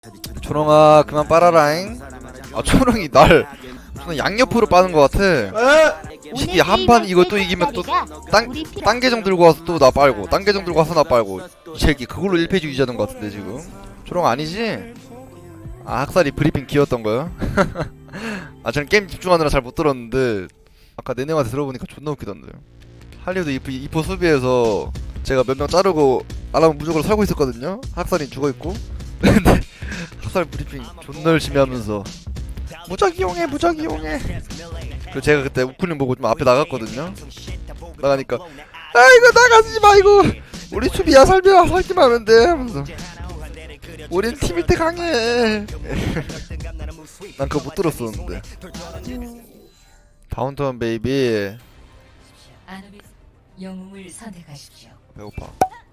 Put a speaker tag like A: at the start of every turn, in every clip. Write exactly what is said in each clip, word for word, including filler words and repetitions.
A: 초롱아 그만 빨아라잉. 아 초롱이 날 무슨 양옆으로 빠는 것 같아. 시기 한판 이거 또 이기면 또 땅 땅 계정 들고 와서 또 나 빨고 땅 계정 들고 와서 나 빨고 이 새끼 그걸로 일 페이지 유지하는 것 같은데 지금. 초롱 아니지? 아 학살이 브리핑 기였던 거야? 아 저는 게임 집중하느라 잘 못 들었는데 아까 내내한테 들어보니까 존나 웃기던데. 할리우드 이포, 이포 수비에서 제가 몇 명 자르고 알아면 무조건 살고 있었거든요. 학살이 죽어있고. 근데 학살 브리핑 존나 열심히 하면서 무작 이용해 무작 이용해. 그리고 제가 그때 우클릭 보고 좀 앞에 나갔거든요. 나가니까 아 이거 나가지마 이거 우리 수비야 살면 살기만 하면 돼 하면서 우린 팀일 때 강해. 난 그거 못 들었었는데. 다운타운 베이비.
B: 영웅을 선택하십시오.
A: 배고파.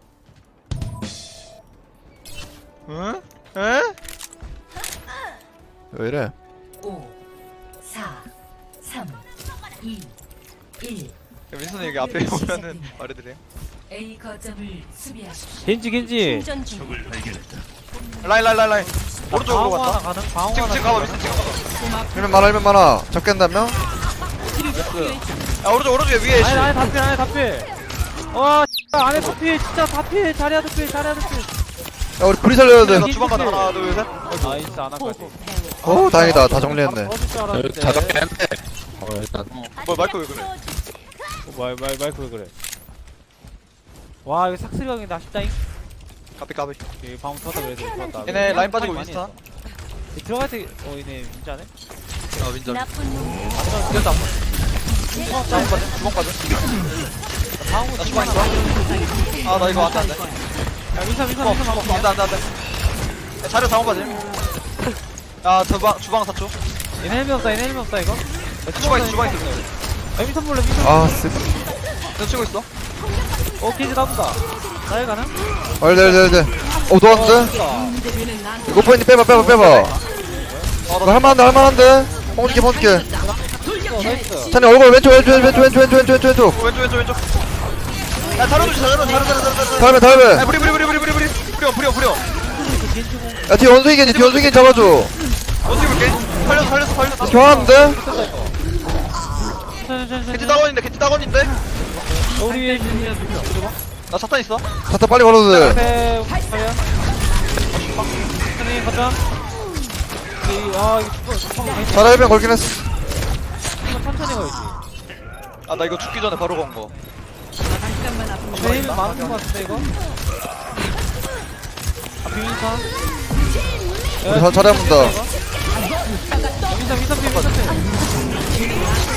A: 응? 에? 왜 이래?
B: 오, 사, 삼, 이, 일.
C: 윈슨 여기 앞에 오면은 말해드려요.
B: A 거점을 수비하십시오.
D: 겐지 겐지
B: 충전 중.
C: 라인 라인 라인 라인 오른쪽으로
D: 방어 하나
C: 갔다.
D: 가능? 방어
C: 지금
D: 하나
C: 지금 가봐
D: 가능?
C: 윈슨 지금 가봐.
A: 일면 많아 일면 많아. 잡겠다며?
C: 야 오른쪽 오른쪽 위에
D: 아니 아니 다필 아니 다필 와 진짜 안에 다필 진짜 다필 자리야 다필 자리야 다필
A: 야 우리 불이 살려야 돼.
C: 나 주방 가다 하나 둘 셋.
D: 나이스 안할까지
A: 어 다행이다 다 정리했네.
D: 다 적게
C: 뭐 마이크 왜 그래?
D: 마이 마이 마이크 왜 그래 와 이거 삭스리강이다 아쉽다잉
C: 까비 까비.
D: 이 방금 터다 그래도 좋았다
C: 얘네 라인 빠지고
D: 많이
C: 윈스턴.
D: 했어. 이 들어갈 때어 얘네 민자네
C: 아 윈전.
B: 나쁜 놈.
C: 이겼다 한 번. 주방 빠져 주방 빠져.
D: 방어
C: 나 주방 있어. 아 나 이거 안돼 안돼.
D: 야 민사 민사
C: 어,
D: 민사
C: 어,
D: 방어
C: 안돼 안돼 안돼. 자료 상황 빠지. 야 주방 주방 사 초.
D: 얘네 헬멧 없다 얘네 헬멧 없다 이거
C: 주방 있어 주방 있어.
D: 야 민사 몰래 민사
A: 아 쓰.
C: 너 치고 있어.
D: 어 겐지 나온다 나에 가능?
A: 알잘잘잘. 어 도왔는데? 이거 포인트 빼봐 빼봐 빼봐. 나 할만한데 할만한데? 뽕줄게 뽕줄게.
D: 나이스
A: 찬이 얼굴 왼쪽 왼쪽 왼쪽 왼쪽 왼쪽 왼쪽 왼쪽 왼쪽.
C: 어, 왼쪽 왼쪽 왼쪽. 야 자료 주시 자료 자료 자료 자료 자료.
A: 다음에 다음에.
C: 야 부리 부리 부리 부리 부리 부리 부려 부려 부려.
A: 야 뒤에 원숭이 겐지 뒤에 원숭이 겐지 잡아줘.
C: 어떻게 볼게? 살렸어 살렸어 살렸어.
A: 교환하는데?
C: 겐지 따건인데 겐지 따건인데?
D: 우리
C: 나 사탄 있어.
A: 자타 빨리 걸어도 돼.
D: 앞에 과연 천천히 가자 이- 아 이거 죽어 죽어
A: 자라 일병 걸긴 했어.
D: 천천히 가야지
C: 아 나 이거 죽기 전에 바로 건 거.
D: 제일 많은 거 같은데 이거 아 비민선
A: 우리 자- 잘해본다.
D: 민선 민선 비민선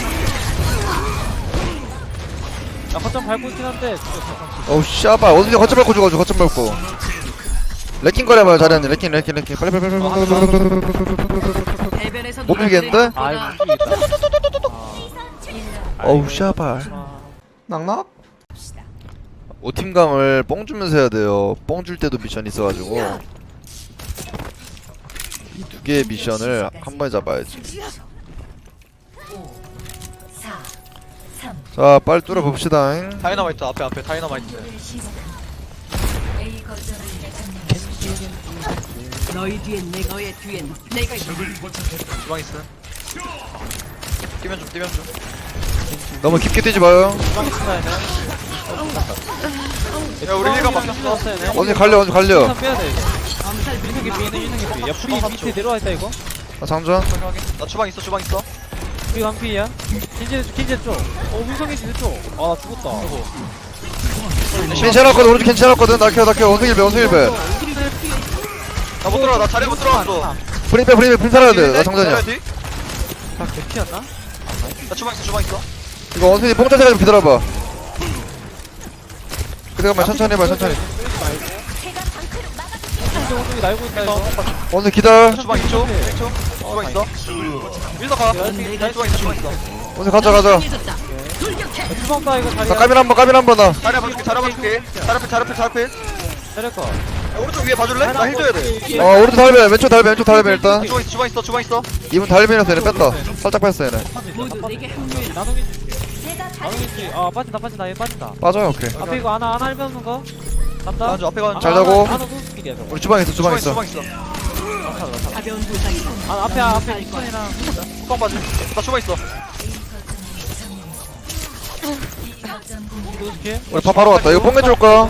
D: 야 거점 밟고 있긴 한데
A: 어우 씨발 어디서 거점 밟고 죽어가지고 거점 밟고. 레킹 거려봐요 자리한테. 레킹 레킹 레킹 빨리 빨리 빨리 빨리 빨리 빨리 빨리 빨리.
B: 대변에서
A: 못 밀겠는데?
D: 아이 못 죽이겠다
A: 어우 씨발. 낙낙? 오팀감을 뽕 주면서 해야 돼요. 뽕 줄 때도 미션 있어가지고 이 두 개의 미션을 한 번에 잡아야지.
B: 오, 사, 삼.
A: 자 빨리 뚫어 봅시다.
C: 다이너마이트 앞에 앞에 다이너마이트.
B: A 거점을 점령. 너희 뒤엔 내 너의 뒤엔 내가 있다.
C: 주방 있어. 뛰면 좀 뛰면 좀.
A: 너무 깊게 뛰지 마요.
C: 야 우리 힐감 바뀌었어.
A: 언제 갈려 언제 갈려.
D: 민선 빼야 돼 이거 유능이 삐 유능이 삐야 프리 밑에 내려와 있다 이거
A: 아 장전.
C: 나 주방 있어 주방 있어.
D: 프리 한피야 킨제 킨제 쪽어 민성이 진짜 쪽아 죽었다
A: 괜찮았거든 오른쪽 괜찮았거든. 낙혀 낙혀 원숭이 배 원숭이 배.
C: 나 못 들어가 나 자리 못 들어갔어.
A: 프린 빼 프린 빼 프린 살아야 돼. 나 장전이야.
C: 자리 뒤?
D: 다 개피였나?
C: 나 주방 있어 주방 있어.
A: 이거 원숭이 뽕 짜세가 좀 기다려봐. 그대가만 천천히 해봐 천천히.
D: 킨제 원숭이 날고 있다 이거
A: 원숭이 기다려.
C: 주방 이 초 일 초. 주방 있어. 밀서 가. 주방 있어 주방 있어.
A: 원숭이 가자 가자.
D: 주방다 이거
A: 나
D: 자리야
A: 까밀 한번 까밀 한번 나.
C: 자리 봐줄게 자리 봐줄게. 자리 앞에 자리 앞에 자리 앞에.
D: 자리야
C: 야, 오른쪽 위에 봐줄래? 나 힐 줘야 돼.
A: 어 오른쪽 달배 왼쪽 달배 왼쪽 달배 일단.
C: 주방 있어 주방 있어 주방 있어.
A: 이분 달배라서 얘네 뺐다. 살짝 뺐어 얘네.
B: 모두 내게 합류해.
D: 나노겐지 나노겐지 아 빠진다 빠진다 얘 빠진다
A: 빠져요 오케이.
D: 앞에 이거 하나 하나 할배우는 거 간다
C: 가는 중 앞에 가는 중.
A: 잘 자고.
D: 하나 노스킬이야 저거
A: 우리 주방에 있어 주방에 있어.
C: 주방 있어.
D: 살아 나 살아.
B: 가벼운 부상이다.
D: 아 앞에 앞에 이선이랑
C: 뚜껑 빠지. 나 주방 있어.
D: 어떻게?
A: 우리 밥 바로 왔다. 이거 뽕개 줄 거야.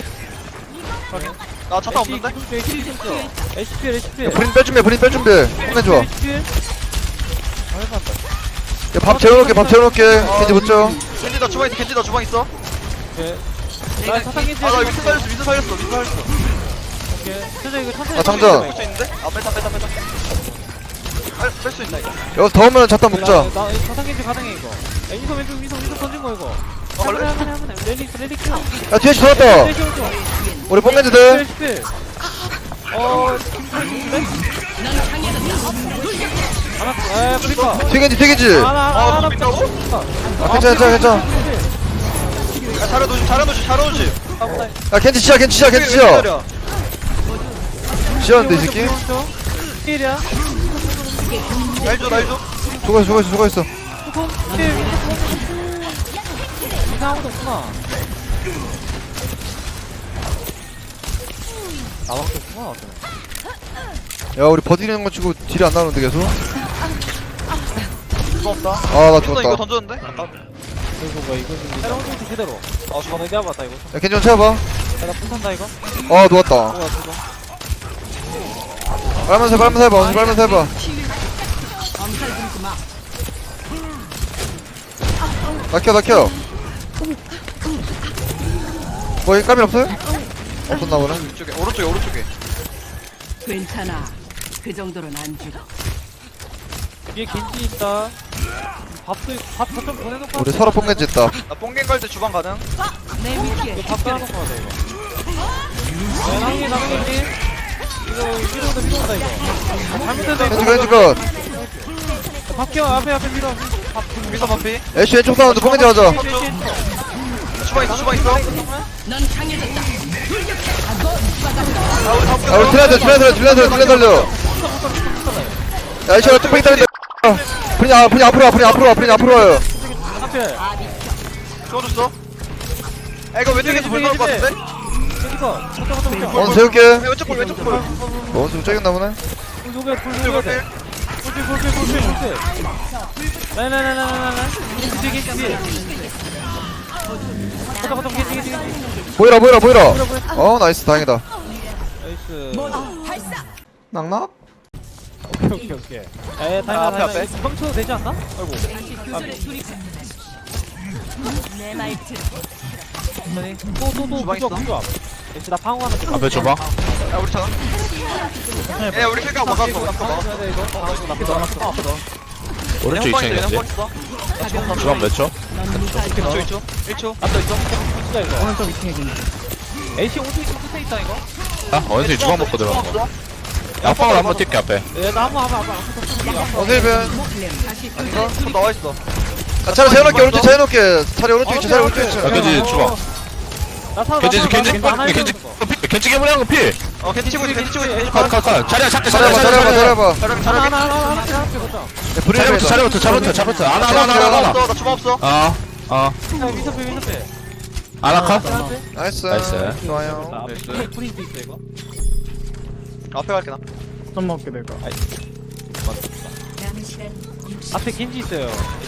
C: 나 차타 없는데?
D: 에이치피 에이치피.
A: 브린 뺄 준비, 브린 뺄 준비. 뽕개 줘.
D: 에이치피. 아 해봤다.
A: 야, 밥 재워놓을게, 밥 재워놓을게. 겐지 붙죠.
C: 겐지 나 주방 있어. 겐지 나 주방 있어.
D: 오케이. 나 사탕기지.
C: 아 나 위스 살렸어. 위스 살렸어. 위스 살렸어.
D: 오케이. 천천히 이거 천천히.
A: 아, 장전.
C: 뺄 수 있는데? 아 뺐다 뺐다 뺐다. 뺄 수 있다 이거.
A: 여기서 더 오면 자탄 먹자.
D: 나 사탕기지 가능해 이거. 야 인성 왼쪽 인성 인성 던진 거 이거.
C: 어, 원래?
D: 한번에 한번에 랠리 랠리 켜.
A: 야, 뒤에 돌았다. 우리 뽕겐지 돼.
D: 에이치피. 어. 김철인데? 하나. 에 브리커.
A: 뒤에 겐지, 뒤에 겐지.
D: 하나
C: 아,
D: 하나 하나.
C: 빈다고?
A: 아, 괜찮아, 괜찮아, 괜찮아.
C: 야 잘해놓지 잘해놓지 잘해놓지.
A: 야, 겐지 치자, 겐지 치자, 겐지 치자. 치자는데, 이 새끼.
D: 필이야.
C: 날줘 날줘.
A: 죽어있어, 죽어있어, 죽어있어.
D: 필. 이상한 것도 없구나. 나밖에 없구나.
A: 야, 우리 버티는 거 치고 딜이 안 나오는데, 계속.
C: 이거 없다.
A: 아, 나
C: 윈서 이거
A: 죽었다.
C: 던졌는데? 아까.
D: 이거 뭐 이거 좀 새로운 거 그대로. 아 주방 내가 봤다 이거.
A: 야, 겐지 좀 채워봐.
D: 내가 pun탄다 이거.
A: 아, 누웠다.
D: 뭐야 이거.
A: 빨면서, 빨면서 해봐, 원숭이 빨면서 해봐.
B: 엄살 부리지 마.
A: 낙혀, 낙혀. 뭐, 이 까밀 없어요? 없었나 보네.
C: 이쪽에 오른쪽에 오른쪽에.
B: 괜찮아. 그 정도는 안 죽어.
D: 뒤에 겐지 있다. 밥도 밥좀 보내놓고.
A: 우리 서로 뽕겐지 있다.
C: 나 뽕갱 갈 때 주방 가능?
B: 내 위치에
D: 이거 밥 빼놓고 가자 이거. 야 나무게 나무게. 이거 위로 온다 위로 온다 이거. 잘못했다
A: 겐지,
D: 이거.
A: 겐지 컷.
D: 밥 끼워 앞에 앞에 밀어. 밥.
C: 윈서 반피.
A: 애쉬 왼쪽 사운드 뽕겐지 하자.
C: 주방 있어 주방 있어.
B: 넌 강해졌다.
C: 아 우리 다
A: 야, 우리 딜라들, 딜라들, 딜라들, 딜라 달려. 야, 애쉬가 뚝배기 달린다. 분이, 아, 분이 앞으로 와, 분이 앞으로 와, 분이 앞으로 와요.
D: 앞에.
C: 주워줬어. 야 이거 왼쪽에서 볼 나올 것 같은데?
D: 여기서. 잠깐 잠깐 잠깐.
A: 원수 세울게.
C: 야, 왼쪽 볼 왼쪽 볼.
A: 원수 쩌겼나 보네.
D: 불 녹여 불
C: 왼쪽
D: 녹여
C: 볼.
D: 돼. 불필 불필 불필 불필. 라라라라라라. 겐지 겐지 겐지. 잠깐 잠깐 겐지 겐지 겐지.
A: 보이라, 보이라, 보이라. 어, 나이스, 다행이다.
D: 나이스.
A: 낙낙?
D: 오케이 오케이 오케이. 에
C: 아,
D: 다행이다
C: 앞에,
D: 다행이다.
C: 앞에.
D: 뻥쳐도 되지 않나? 아이고.
B: 다시 교전에 돌입해. 내말 들어.
D: 아니 또또또
C: 주방
D: 부조
C: 있어?
D: 부조. 역시 나 방어 하나 좀.
E: 앞에 줘봐.
C: 야 우리 차가. 야 우리 킬각 막았어. 막았어 막았어.
D: 해야 돼 이거. 아 이거 나쁘다 나쁘다. 앞에 넣어.
E: 오른쪽 이 층이겠지? 주방 몇 초?
B: 넌 무사할 거야.
C: 일 초 일 초. 앞에 있어.
D: 진짜 이거. 오른쪽 이 층에 겐지. 에이씨 오른쪽 이 층 끝에 있다 이거.
E: 아, 원숭이 주방 먹고 들어간 거. 야, 펑을 한번 뛸게, 앞에.
D: 얘나 한번 한번 한번 한번.
A: 원수 일변.
B: 다시
C: 아닌가? 손 나와 있어.
A: 아, 차례 세워놓을게, 오른쪽 차려놓을게. 차례 오른쪽 있지, 차례 오른쪽
E: 야,
A: 있지.
E: 겐지 주방.
D: 나 살아.
E: 겐지, 겐지,
D: 겐지 하나
E: 겐지,
D: 겐지.
E: 겐지, 겐지 개물이한 거 피!
C: 어 캔디 치고 있어. 캔디 치고 있어.
E: 컷, 컷, 컷. 자리야, 잡게,
A: 차려봐,
E: 자리야,
A: 차려봐,
E: 자리야.
A: 차려봐.
C: 자령
D: 하나
C: 자령.
D: 하나 하나 하나 하나 하나 보자.
A: 야, 브리를
E: 자리부터, 자리부터, 자리부터, 자리부터. 하나, 하나, 하나, 하나, 하나.
C: 없어. 나 주방 없어.
E: 어, 어.
D: 민서페 민서페.
E: 하나 컷?
A: 나이스.
E: 나이스.
A: 좋아요.
D: 앞에 프린트 있어 이거.
C: 앞에 갈게 나.
B: 남은 시간
D: 앞에 겐지 있어요.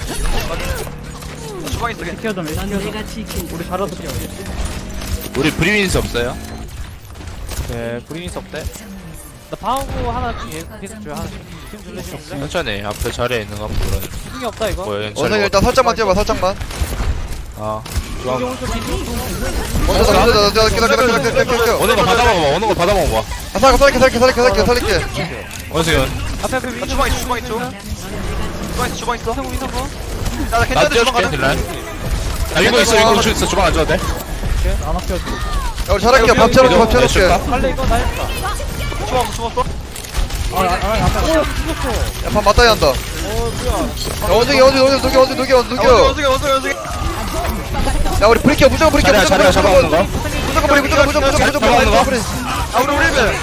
C: 나 주방 있어. 캔디.
B: 넌 내가 지킨. 우리
E: 우리 브리윈스 없어요?
D: 네, 브리니스 없대. 나 방어구 하나 계속 계속 줘요 하나씩. 팀 줄래 줄래?
E: 천천히, 앞에 자리에 있는 거 한번 물어.
D: 승이 없다 이거.
E: 뭐야,
A: 원숭이
E: 연철.
A: 일단 살짝만 뛰어봐, 살짝만.
E: 어.
D: 여기
E: 주방.
D: 오른쪽 겐지.
A: 원수 나, 나, 나, 나, 기다, 기다, 기다, 기다, 기다, 기다.
E: 오는 거 받아먹어봐, 오는 거 받아먹어봐.
A: 아, 살게, 살게, 살게, 살게, 살게, 살게.
E: 원숭이.
D: 앞에 앞에
C: 나
D: 민서.
C: 주방 있어. 주방 있어. 주방 있어. 주방 있어.
D: 민서 민서 거.
C: 야나
E: 나
C: 캔디한테 주방
E: 띄워줄게,
C: 가능.
E: 딜라인. 야, 이거 있어, 이거 우측 있어. 주방 안 줘도 돼?
A: 야, 우리 잘할게. 밥 채워놓게, 밥 채워놓게.
D: 빨리 이거 나 했다.
C: 주방 없어. 주방 없어.
D: 오 죽었어.
A: 야, 밥 맞다이 한다.
D: 어 뭐야.
A: 야, 원숭이, 원숭이, 원숭이, 녹여, 원숭이, 녹여, 원숭이,
C: 야
A: 녹여.
C: 원숭이 원숭이 원숭이.
A: 야, 우리 브리켜, 무조건 브리켜,
E: 자리야,
A: 무조건
E: 자리야, 잡아먹는 거.
A: 무조건 브리, 무조건, 무조건, 무조건, 무조건
E: 잡아먹는 거.
A: 브리.
C: 아 우리 우리 배.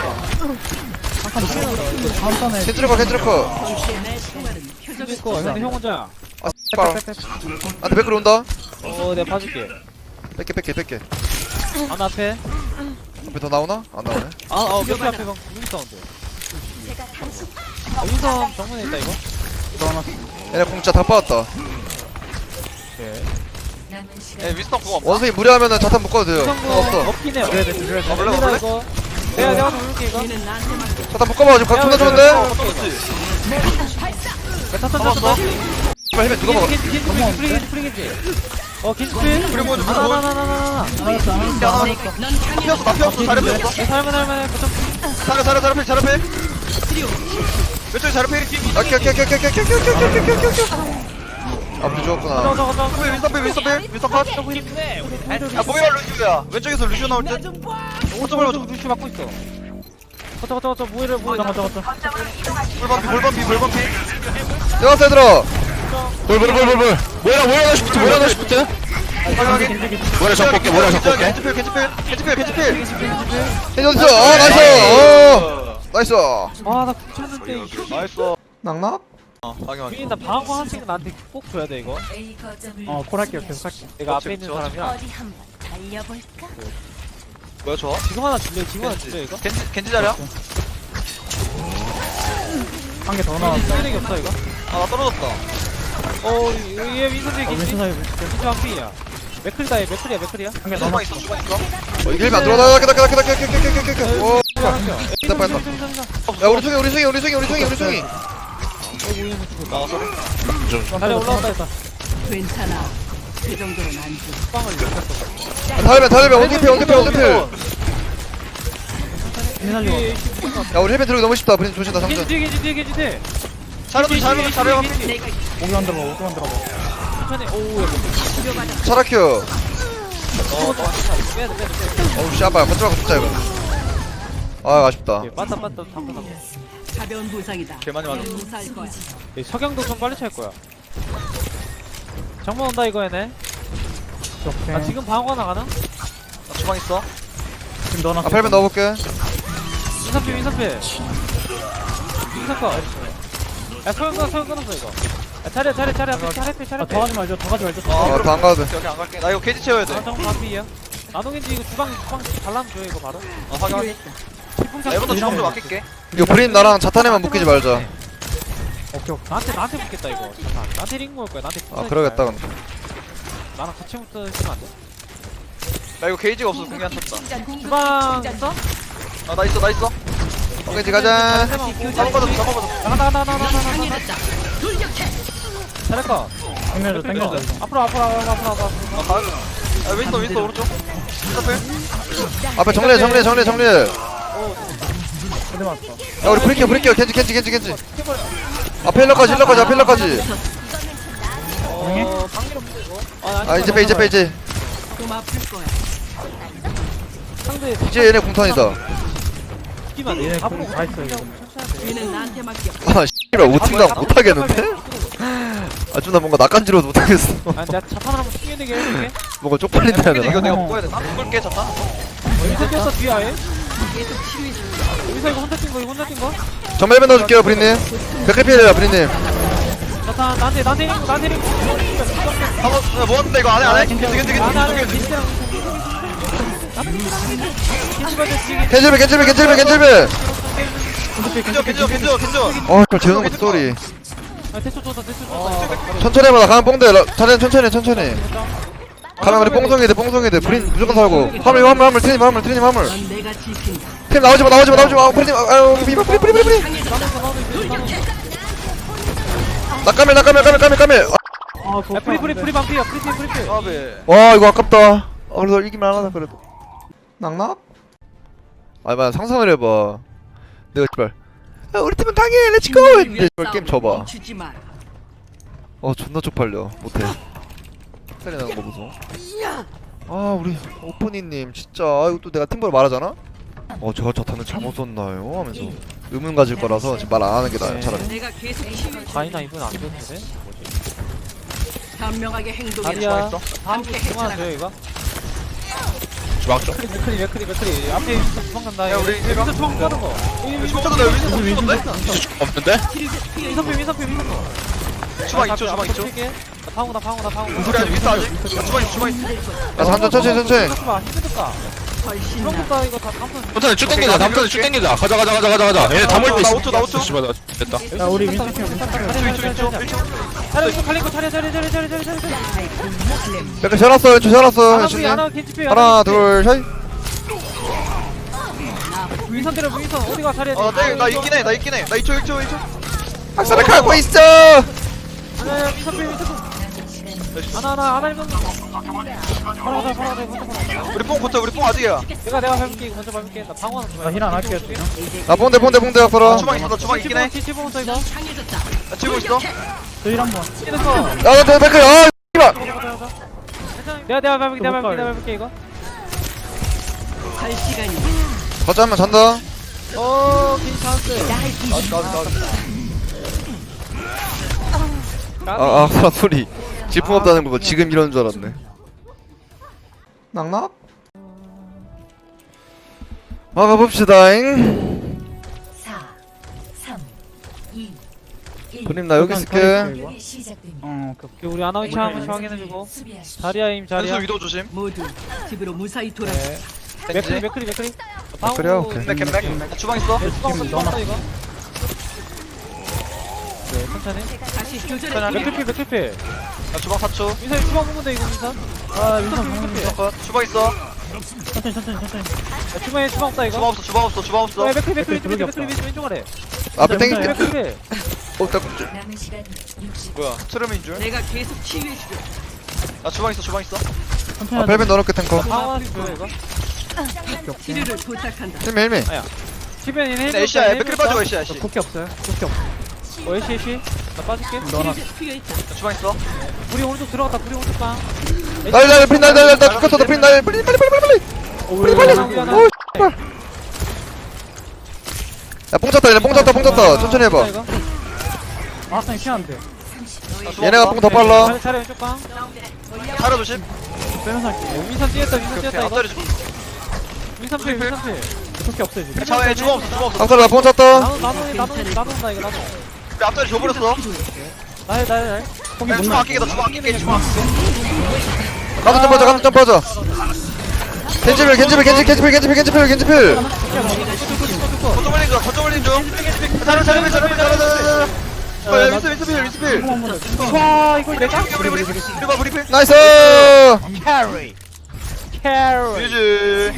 A: 캔트르커, 캔트르커.
D: 이거 근데 형 혼자야.
A: 아, 씨발. 안돼, 백으로 온다.
D: 어 내가 봐줄게.
A: 뺄게, 뺄게, 뺄게.
D: 하나 앞에.
A: 앞에 더 나오나? 안 나오네.
D: 아어 몇개 앞에 방 무기 사운드. 윈선 정문에 있다 이거.
A: 얘네 공짜 다 빠졌다.
C: 예 윈스턴 그거 없나?
A: 원숭이 무리하면은 자탄 묶어도 돼요.
D: 윈선
A: 어, 없어.
D: 없긴 해요.
C: 그래,
D: 그래
C: 아, 몰라, 몰라.
D: 이거. 내가 내가 좀 누를게 이거.
B: 얘는 나한테 맡겨.
A: 자탄 묶어봐. 지금 각 존나 좋은데?
D: 탔탔탔
A: 씨발 헬멧 누가 먹어?
D: 겐지 겐지 겐지 프리 겐지 프리 겐지. 어 겐지 프리.
C: 그리고 먼저
D: 하나 하나 하나 하나 하나.
C: 나 피었어 나 피었어 자리 피었어
D: 살만 할만해. 거점.
C: 자리 자리 자리 필 자리 필 왼쪽에 자리 필
A: 아, 켜, 켜, 켜, 켜, 켜, 켜, 켜, 켜, 켜, 켜, 켜, 켜, 켜. 아, 우리 죽었구나.
D: 가자 가자 가자.
C: 윈스턴 필 윈스턴 필 윈스턴 컷야 뭐야 루시오야 왼쪽에서 루시오 나올 듯
D: 오른쪽으로 루시 막고 있어. 가자 가자 가자 모이를 모이. 가자 가자 가자.
C: 볼밤피 볼밤피 볼밤피
A: 들어갔어, 얘들아.
E: 볼볼볼볼볼 뭐야 뭐야 나 싶지 뭐야 나 싶지
C: 확인하게
E: 뭐야 잡볼게 뭐야 잡볼게
C: 겐지필 겐지필 겐지필 겐지필
A: 헤이 어딨어? 아, 나이스. 어, 나이스.
D: 아나 붙였는데.
C: 나이스
A: 낙낙?
C: 어 확인 확인
D: 주인 나 방어 한 층 나한테 꼭 줘야 돼 이거.
F: 어, 콜할게요. 계속 할게.
D: 내가
C: 그렇지,
D: 앞에 있는
C: 그렇지.
D: 사람이야.
G: 어디 한번 달려볼까?
C: 뭐야 저
D: 지금 하나 줄래? 지금 하나 줄래 이거?
C: 겐지 겐지 자리야?
F: 한 개 더 나왔어.
D: 쓰레기 없어 이거?
C: 아나 떨어졌다
D: 어, 얘 민선이
F: 어,
D: 겐지.
F: 왼손 사이.
D: 겐지 한피야. 맥클이다 얘 맥클이야 맥클이야.
F: 한 개 더
C: 주방
F: 나왔어.
C: 있어 주방 있어
A: 어, 이게 힐면 안 들어가. 나, 나, 나, 나, 나, 나, 나, 나, 나, 나, 나, 나. 오, 됐다, 뺐다. 야, 우리 송이, 우리 송이, 우리 송이, 우리 송이, 우리 송이.
C: 아 소리
D: 다리 올라왔다 했다.
B: 괜찮아. 그 정도는 안 돼.
D: 빵을 이렇게
A: 아, 달면, 달면, 원딜필, 원딜필, 원딜필. 야, 우리 헬멧 들어오기 너무 쉽다. 브린 조심다,
D: 겐지
A: 상전.
D: 뒤에 겐지 뒤에 겐지 뒤에.
C: 자리도 자리도 자리야
B: 내가
F: 오기 안 들어가, 오기 안 들어가.
D: 천천히. 오우 야.
A: 차라큐.
D: 빼야 돼 빼야 돼.
A: 어우, 씨아빠 거쳐가고 진짜 이거. 아, 아쉽다.
D: 빼야 돼. 빠따 빠따 당근 당근.
B: 가벼운 부상이다.
C: 개 많이 맞았어
B: 무사할 거야.
D: 석양도 좀 빨리 찰 거야. 정문 온다 이거 얘네.
F: 오케이.
D: 아 지금 방어가 나가나?
C: 나 주방 있어
F: 지금 넣어놨어.
A: 아, 펠멧 넣어볼게.
D: 인사피 인사피. 인사커. 야 소영 끊어 소영 끊었어 이거. 야 차례 차례 차례 앞에 차례 앞에 차례
F: 아,
D: 앞에.
F: 더 가지 말죠. 더 가지 말죠.
C: 아
A: 어,
C: 그럼
A: 더안 가도 돼.
C: 여기 안 갈게 나 이거 게이지 채워야 돼
D: 아 정문 앞이야. 나노겐지 이거 주방 주방 발라면 줘 이거 바로.
C: 어, 확인 확인
D: 태풍창.
C: 나 이번도 주방 좀 아낄게
A: 이거 브린 나랑 자탄에만 묶이지 말자.
F: 오케이, 오케이.
D: 나한테 나한테 붙겠다 이거. 잠깐. 나한테 링 먹을 거야 나한테.
A: 아,
D: 붙어있지
A: 그러겠다,
D: 말고.
A: 근데.
D: 나랑 같이 붙어있으면 안 돼?
C: 나 이거 게이지가 없어서 공기 안 쳤다
D: 주방 있어?
C: 아 나 있어 나 있어
A: 오케이, 가자.
C: 잡아봐줘 잡아봐줘
D: 나가 나가 나가 나가 나가 나가. 잘했어.
F: 당겨줘, 당겨줘.
D: 앞으로 앞으로 앞으로 앞으로 앞으로.
C: 아 가야돼 아 윈스턴 윈스턴 오른쪽 윈스턴
A: 앞에 정리해, 정리해, 정리해, 정리해. 야,
F: 어디 맞았어?
A: 우리 브리키어, 브리키어. 겐지, 겐지, 겐지, 겐지. 아, 힐러까지, 힐러까지, 앞 힐러까지.
D: 어 방귀로 이거.
A: 아, 이제 빼, 이제 빼, 이제.
B: 좀 아플 거야.
D: 상대
A: 이제 얘네 공턴이다.
D: 뛰면 돼.
F: 얘네
D: 앞으로
F: 다 있어, 이거.
B: 얘는 나한테 맡겨.
A: 아, 씨발, 오팅당 못하겠는데? 아, 좀 나 뭔가 낯간지러워서 못하겠어.
D: 아 내가 자판을 한번 튕겨내게 해줄게.
A: 뭔가 쪽팔린다 해야
C: 이거
A: 되나?
C: 내가 묶어야 되나? 묶을게 잠깐
D: 여기서 뛰었어 뒤에 아예.
B: 계속 치료해 줄
D: 여기서 이거 혼자 뛴 거 이거 혼자 뛴 거.
A: 정말 헬멧 넣어줄게요, 브린님. 백클피해요, 브린님.
D: 자판 나한테 나한테 링 나한테 링.
C: 한번 모았는데 이거 안해 안해? 겐지 겐지 겐지
D: 나한테 나한테
C: 겐지 겐지
D: 겐지랑 겐지 받을 지금.
A: 겐질배, 겐질배, 겐질배, 겐질배.
C: 겐지 겐지 겐지 겐지
A: 어, 그걸 재우는 것도 쏘리.
D: 아 대초 줬다 대초 줬다.
A: 천천히 해봐, 나 가면 뽕대. 자네 천천히, 천천히. 가면 우리 뽕송이들, 뽕송이들. 브린 무조건 살고. 화물, 화물, 화물, 트님, 화물, 트님, 화물.
B: 넌 내가 지킨다.
A: 팀 나오지 마, 나오지 마, 나오지 마. 브린, 아유, 브린, 브린, 브린, 브린, 브린. 나 까밀, 나 까밀, 까밀, 까밀, 까밀.
F: 아,
D: 야 프리 프리 프리 반피야 프리 프리 프리 프리.
C: 아베
A: 와, 이거 아깝다. 어, 그래도 이기만 하다, 그래도. 낙낙? 아니, 만 상상을 해봐. 내가 씨발. 야, 우리 팀은 당해, 렛츠고! 했는데, 씨발, 게임 져봐.
B: 멈추지 마.
A: 어, 존나 쪽팔려. 못해. 살이 나는 거 보소. 아, 우리 오프니님, 진짜. 아, 이거 또 내가 팀벌 말하잖아? 어, 저 자탄은 잘못 썼나요? 하면서. 의문 가질 거라서 지금 말 안 하는 게 나아요, 차라리.
B: 내가 계속 치료해 줄
D: 다이나 이분 안 좋는데?
B: 현명하게 행동해.
D: 다리야.
B: 함께
D: 그만
B: 해쳐나가.
D: 줘요 이거.
E: 주방 좀
D: 맥크리 맥크리 맥크리 앞에 주방 간다.
C: 야, 우리
D: 여기서 주방 가는 거.
C: 춤춰도 돼 윈스턴 춤추던데?
E: 없는데?
D: 민서피 민서피 민서피.
C: 주방 있죠 주방 있죠
D: 나 파고 나 파고 나 파고.
C: 우리 아직 윈스턴 아직 아, 주방 있어 주방 있어
A: 야, 한전 천천히, 천천히.
D: 봐 힘들까.
B: 훨씬 나.
D: 그런거다 이거 다 감탄.
E: 다음턴에 쭉 당기자 다음턴에 쭉 당기자 가자 가자 가자 가자 가자 얘네 다 몰고
C: 나
E: 있어
C: 오 초, 나 오 초.
E: 씨발 나 됐다
F: 야 우리 윈스턴 윈스턴
C: 일 초, 일 초, 일 초.
D: 차려 이거 갈린 거 차려 차려 차려 차려 차려 차려.
A: 약간 셔놨어 왼쪽 셔놨어
D: 하나
A: 왼쪽
D: 위 하나 겐지피
A: 하나 둘 셋.
D: 위선 때려 위선 어디가 차려.
C: 어, 나, 나 있긴 해, 나 있긴 해. 나 이 초, 일 초, 일 초.
A: 학살을 가고 있어.
D: 아니야 위선 필 위선. 하나 하나 하나 이건. 바로 가자 바로 가자 먼저 가자.
C: 우리 뽕 고쳐, 우리 뽕 아직이야.
D: 내가 내가 밟을게 이거 먼저 밟을게. 나 방어 하나 좀.
F: 나 힐 안 할게요 지금.
A: 나 본대 본대 본대
C: 나
A: 앞으로.
C: 주방 있어, 나 주방 있긴 해.
D: 치치봉부터 이거.
C: 나 치고 있어.
F: 저힐 한번.
D: 이랬어.
A: 야나 백클 아 씨발.
D: 내가 내가 밟을게 내가 밟을게 내가 밟을게 이거.
B: 갈 시간이.
A: 거점면 잔다.
D: 어 괜찮았어.
C: 나, 나, 나.
A: 아아 사람 소리. 질풍 없다는 거 지금 이러는 줄 알았네. 낙낙. 막아봅시다잉.
G: 사, 삼, 이, 일.
A: 그님 나 여기 있을게.
G: 공격이 시작됩니다.
F: 어 오케이 오케이.
D: 우리 아나위치 한 번씩 확인해주고.
G: 수비하십시오.
D: 자리야 임 자리야.
C: 현수 위도 조심.
B: 모두 집으로 무사히 돌아.
D: 네. 맥크리 맥크리 맥크리.
A: 맥크리야? 오케이.
C: 캔백, 캔백. 나 주방 있어.
D: 주방 넣었다 이거. 네 천천히.
B: 다시 교전에
D: 맥크리 맥크리.
C: 나 주방 사 초.
D: 민선 주방 먹는데 이거 민선.
F: 아 윈스턴 방금
D: 맥크리.
C: 컷. 주방 있어.
F: 천천히 천천히 천천히.
D: 주방에 주방 없다
C: 주방
D: 이거.
C: 없어, 주방 없어, 주방 없어.
D: 어 맥크리 맥크리
F: 맥크리
D: 맥크리 맥크리 맥크리 왼쪽 아래.
A: 앞에 땡길게.
D: 맥크리.
A: 어, 딱.
G: 남은 시간 육십.
C: 뭐야, 트름인 줄?
B: 내가 계속 치유해주죠.
C: 나 주방 있어, 주방 있어.
F: 천천히.
A: 아, 벨벳 넣어놓게 탱커.
D: 방어 줘요 이거.
B: 치료를 부탁한다.
A: 힐미, 힐미.
D: 집에 있는
C: 네, 애쉬야, 맥클 빠지고 애쉬야, 애쉬.
F: 쿠키 없어요. 쿠키 없어.
D: 어 애쉬 애쉬. 나 빠질게.
F: 너나.
B: 필요했다.
C: 나 주방 있어.
D: 우리 오른쪽 들어갔다. 우리 오른쪽 방.
A: 날, 날, 프린, 날, 날, 날, 나 죽었어, 나 프린, 날, 빨리, 빨리, 빨리, 빨리, 빨리. 빨리, 빨리. 오, 씨발. 야, 뽕 찼다, 얘네 뽕 찼다, 뽕 찼다. 천천히 해봐.
D: 이거.
F: 아 쌤 피한데.
C: 나 주방
A: 얘네가
C: 없어.
A: 뽕 더 빨라.
D: 차례 차례 왼쪽 방.
C: 차려 조심.
F: 빼면서 할게.
D: 민선 뛰었다. 민선
C: 오케이,
D: 뛰었다 이거.
C: 앞자리 좀.
D: 민선 필 민선 필.
F: 쿠키 없어요 지금.
C: 자, 주방 없어, 주방 없어.
A: 학살 나뽕 찼다.
D: 나도 나도 나도 나도다 이거 나도.
C: 우리 앞자리 줘버렸어.
D: 나해 나해 나해.
C: 야, 주방 아끼게, 나 주방 아끼게, 주방 아끼게.
A: 가도 점 빠져, 가도 점 빠져. 겐지필, 겐지필, 겐지, 겐지필, 겐지필, 겐지필, 겐지필.
C: 거점 올린 중, 거점 올린 중. 잘해, 잘해, 잘해, 잘해, 잘해. 어, 야, 윈스, 윈스 필, 윈스 필.
D: 와 이걸 내가
C: 우리, 우리, 우리, 우리 봐, 우리 필.
A: 나이스.
D: 캐리. 캐리.
C: 유지.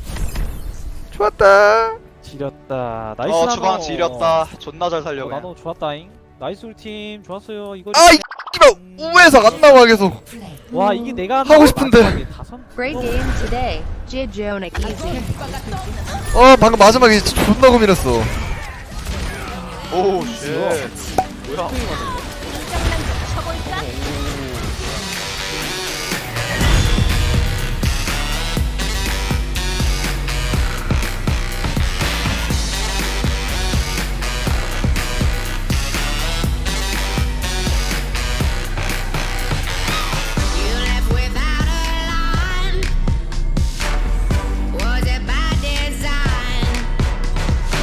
A: 좋았다.
D: 지렸다. 나이스.
C: 어,
D: 나노.
C: 주방 지렸다. 존나 잘
D: 어,
C: 살려, 그냥.
D: 나도 좋았다잉. 나이스 우리 팀 좋았어요. 이거.
A: 아, 이 씨발 우에서 안 나와 계속.
G: 플레이.
D: 와 이게 내가
A: 하고 싶은데.
D: 마지막에 다섯.
H: Great game today. Jijonic easy.
A: 어, 방금 마지막에 진짜 존나 고민했어.
C: 오, 쉣. 뭐야.